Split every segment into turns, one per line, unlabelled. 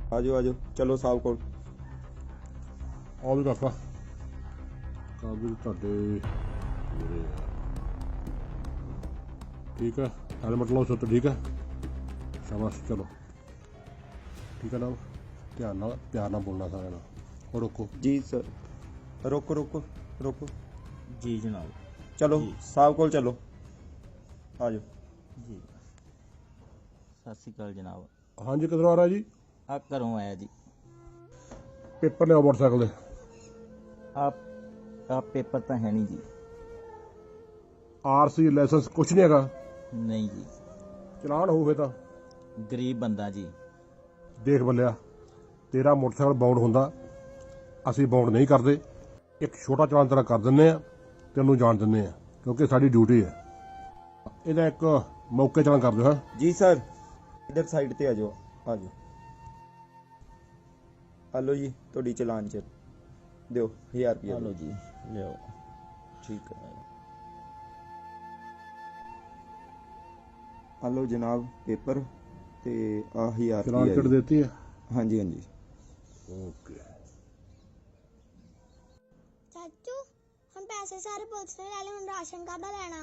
ਆਜੋ ਆਜੋ, ਚਲੋ ਸਾਹਿਬ ਕੋਲ।
ਆਓ ਵੀ ਕਾਕਾ, ਕਾਬਿਲ ਤੁਹਾਡੇ ਮੇਰੇ ਠੀਕ ਹੈ। ਹੈਲਮਟ ਲਾਓ ਸੁੱਤ, ਠੀਕ ਹੈ। ਸ਼ਾਬਾਸ਼, ਚਲੋ ਠੀਕ ਹੈ ਨਾ। ਧਿਆਨ ਨਾਲ, ਪਿਆਰ ਨਾਲ ਬੋਲਣਾ ਸਾਰਿਆਂ ਨਾਲ। ਉਹ ਰੋਕੋ
ਜੀ ਸਰ। ਰੋਕੋ ਰੋਕੋ ਰੋਕੋ
ਜੀ ਜਨਾਬ।
ਚਲੋ
ਜੀ।
ਸਾਹਿਬ ਕੋਲ ਚਲੋ, ਆਜੋ।
ਜੀ ਸਤਿ ਸ਼੍ਰੀ ਅਕਾਲ ਜਨਾਬ।
ਹਾਂਜੀ, ਕਿੱਧਰੋਂ ਆ ਰਿਹਾ ਜੀ?
ਆ ਘਰੋਂ ਆਇਆ ਜੀ।
ਪੇਪਰ ਲਿਆਓ ਮੋਟਰਸਾਈਕਲ ਦੇ।
ਆ ਪੇਪਰ ਤਾਂ ਹੈ ਨਹੀਂ ਜੀ।
ਆਰਸੀ ਲਾਇਸੈਂਸ ਕੁਛ ਨਹੀਂ ਹੈਗਾ?
ਨਹੀਂ ਜੀ,
ਚਲਾਨ ਹੋਵੇ ਤਾਂ
ਗਰੀਬ ਬੰਦਾ ਜੀ।
ਦੇਖ ਬੱਲਿਆ, ਤੇਰਾ ਮੋਟਰਸਾਈਕਲ ਬਾਉਂਡ ਹੁੰਦਾ, ਅਸੀਂ ਬਾਉਂਡ ਨਹੀਂ ਕਰਦੇ। ਇੱਕ ਛੋਟਾ ਚਲਾਨ ਤੇਰਾ ਕਰ ਦਿੰਦੇ ਆ, ਤੈਨੂੰ ਜਾਣ ਦਿੰਦੇ ਆ, ਕਿਉਂਕਿ ਸਾਡੀ ਡਿਊਟੀ ਹੈ। ਇਹਦਾ ਇੱਕ ਮੌਕੇ ਚਲਾਨ ਕਰ ਦਿਓ। ਹਾਂ
ਜੀ ਸਰ, ਇਧਰ ਸਾਈਡ ਤੇ ਆਜੋ, ਆਜੋ। ਹਲੋ ਜੀ, ਤੁਹਾਡੀ ਚਲਾਨ ਚ ਦਿਓ 1000 ਰੁਪਇਆ।
ਹਲੋ ਜੀ, ਲਿਓ।
ਠੀਕ ਹੈ। ਹਲੋ ਜਨਾਬ ਪੇਪਰ ਤੇ ਆ 1000
ਚਲਾਨ ਕਿਟ
ਰੁਪਇਆ।
ਦੇਤੀ ਹੈ?
ਹਾਂਜੀ ਹਾਂਜੀ।
ਓਕੇ।
ਚਾਚੂ हम पैसे सारे पुलिस ने ले लिए, हम राशन कादा लेना।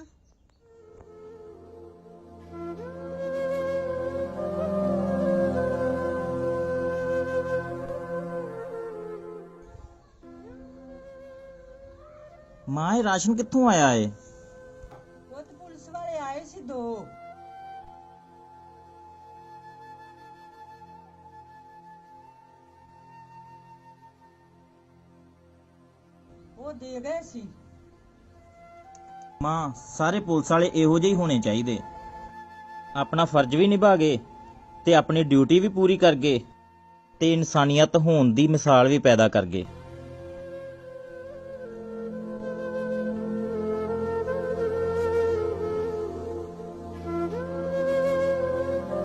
ਮਾਂ, ਇਹ ਰਾਸ਼ਨ ਕਿੱਥੋਂ ਆਇਆ ਏ?
ਉਹ ਤੇ ਪੁਲਿਸ ਵਾਲੇ ਆਏ ਸੀ 2। ਉਹ ਦੇ ਗਏ ਸੀ।
ਮਾਂ, ਸਾਰੇ ਪੁਲਿਸ ਵਾਲੇ ਇਹੋ ਜਿਹੇ ਹੀ ਹੋਣੇ ਚਾਹੀਦੇ। ਆਪਣਾ ਫਰਜ਼ ਵੀ ਨਿਭਾ ਗਏ ਤੇ ਆਪਣੀ ਡਿਊਟੀ ਵੀ ਪੂਰੀ ਕਰ ਗਏ ਤੇ ਇਨਸਾਨੀਅਤ ਹੋਣ ਦੀ ਮਿਸਾਲ ਵੀ ਪੈਦਾ ਕਰ ਗਏ।